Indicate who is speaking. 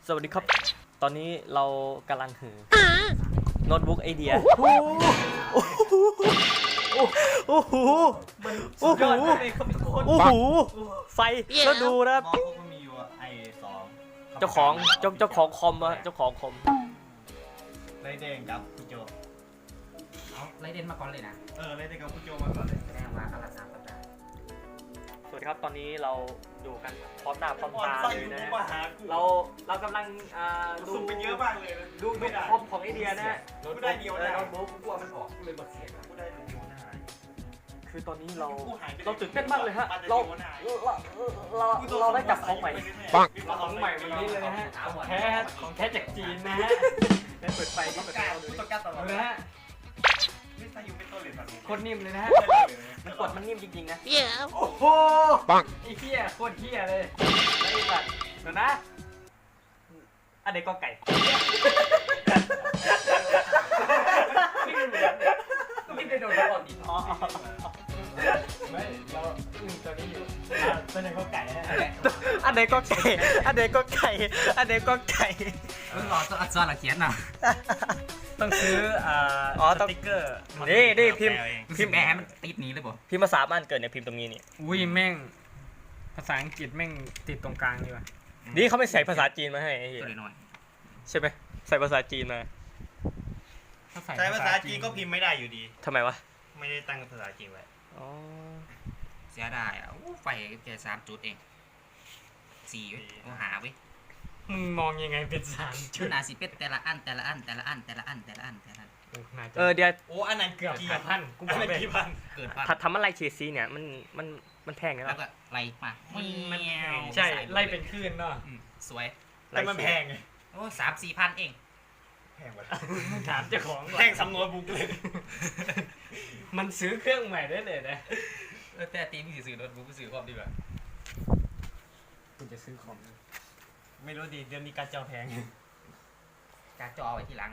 Speaker 1: สวัสดีครับ ตอนนี้เรากำลังถือโน้ตบุ๊กไอเดียโอ้โหโอ้โหโอ้โหไฟแล้วดูนะ
Speaker 2: มองพวกมันมีอยู่ไอสอง
Speaker 1: เจ้าของคอมอะเจ้าของคอม
Speaker 2: ไรเด้งกับคุณโจ
Speaker 3: เอาไล่เด่นมาก่อนเลยนะ
Speaker 2: ไรเด้งกับคุณโจมาก่อนเลย
Speaker 3: แสดงว่าอารา3 สัปดาห์
Speaker 1: สวัสดีครับตอนนี้เราอยู่กันพร้อมหน้าพร้อมตาเลยนะ เรากำลังดู
Speaker 2: สุ่มไปเยอะมากเลยนะ
Speaker 1: ดูคอมของไอเดียนะ
Speaker 2: กูได้เดียวนะ
Speaker 1: โน้ตบุ๊ก
Speaker 3: กลัวมันออกเลยบทเสียงนะ
Speaker 2: กูได้เดียวนะ
Speaker 1: คือตอนนี้เรา
Speaker 2: กูหายไป
Speaker 1: ตื่นเต้นมากเลยฮะ
Speaker 2: เรา
Speaker 1: เราได้จับของใหม่
Speaker 2: เราของใหม่วันนี้เลยนะฮะ
Speaker 1: ของแท้จากจีนนะฮะได้เปิดไฟ
Speaker 2: ต้
Speaker 1: ที่
Speaker 2: อง
Speaker 1: เปิด
Speaker 2: การ
Speaker 1: เอาดู
Speaker 2: กูต้องการตลอด
Speaker 1: นะฮะ
Speaker 2: ไม่ใช่ยูเป็นตัวเหรียญแบบนี้
Speaker 1: โคตรนิ่มเลยนะฮะมันกดมันนิ่มจริงๆนะ
Speaker 2: โอ้โห
Speaker 1: ไอ้เหี้ยโคตรเหี้ยเลยแล้วไอ้สัตว์เดี๋ยวนะอันเด็กก็ไก่
Speaker 3: ไม่ได้โดนก่อนดิ
Speaker 1: อ๋อ
Speaker 3: ไม่เราตัวนี้อยู่ตัวไหนก็ไก่นะ
Speaker 1: อันเด็กก็ไก่อันเด็กก็ไก่อันเด็กก็ไก่
Speaker 3: เพิ่งรอตัวอักษรละเขียนน่ะ
Speaker 1: ต้องซื้อต้อง
Speaker 2: สติ๊กเกอร์
Speaker 1: นี่พิมพ์
Speaker 3: พิมพ์แอร์มันติดนี้เลยบ่
Speaker 1: พิมพ์ภาษาบ้านเกิดเนี่ยพิมพ์ตรงนี้นี่
Speaker 4: อุ้ยแม่งภาษาอังกฤษแม่งติดตรงกลางดีว่ะ
Speaker 1: นี่เขาไม่ใส่ภาษาจีนมาให้ไอ้เหี้ย
Speaker 3: ตัวน้อย
Speaker 1: ใช่ไหมใส่ภาษาจีนมา
Speaker 4: ถ้า
Speaker 2: ใช้ภาษาจีนก็พิมพ์ไม่ได้อยู่ดี
Speaker 1: ทำไมวะ
Speaker 2: ไม่ได้ตั้งภาษาจีนไว้
Speaker 1: อ๋อ
Speaker 3: เสียดายอ่ะไฟแค่3 จุดเอง4เว้ยต้องหาเว้ย
Speaker 4: มึงมองยังไงเป็นสาร
Speaker 3: ชุดนาสิเป็ดแต่ละอันแต่ละอันแต่ละอันแต่ละอันแต่ละอันแต่ละอัน
Speaker 4: โอ้น่าจะ
Speaker 1: เดี๋ยว
Speaker 2: โอ้อันนั้น
Speaker 4: เกือบ
Speaker 2: กี่
Speaker 4: พันกู
Speaker 2: อัน
Speaker 4: บอก
Speaker 2: นั้น
Speaker 4: เลย
Speaker 2: กี่พัน
Speaker 3: เกิดปั๊บ
Speaker 1: ทำอะไรเฉดสีเนี่ยมันแพงนะ
Speaker 3: แล้วก็ไล่มา
Speaker 4: มัน
Speaker 3: แมว
Speaker 4: ใช่ไล่เป็นคลื่นเนาะ
Speaker 3: สวย
Speaker 2: แต่มันแพงไง
Speaker 3: โอ้3-4 พันเอง
Speaker 2: แพงกว่า
Speaker 4: มึงถามเจ้าของก่อ
Speaker 2: แพ
Speaker 4: น
Speaker 2: งสำนวนบุ๊กเลย
Speaker 4: มันซื้อเครื่องใหม่ได้เลยนะ
Speaker 3: แต่ตีมึงซื้อโน้ตบุ๊กซื้อความดีกว่า
Speaker 4: กูจะซื้อคอม
Speaker 2: ไม่รู้ดิเดือนนี้การเจ้าแพง
Speaker 3: การจอเอาไว้ที่หลัง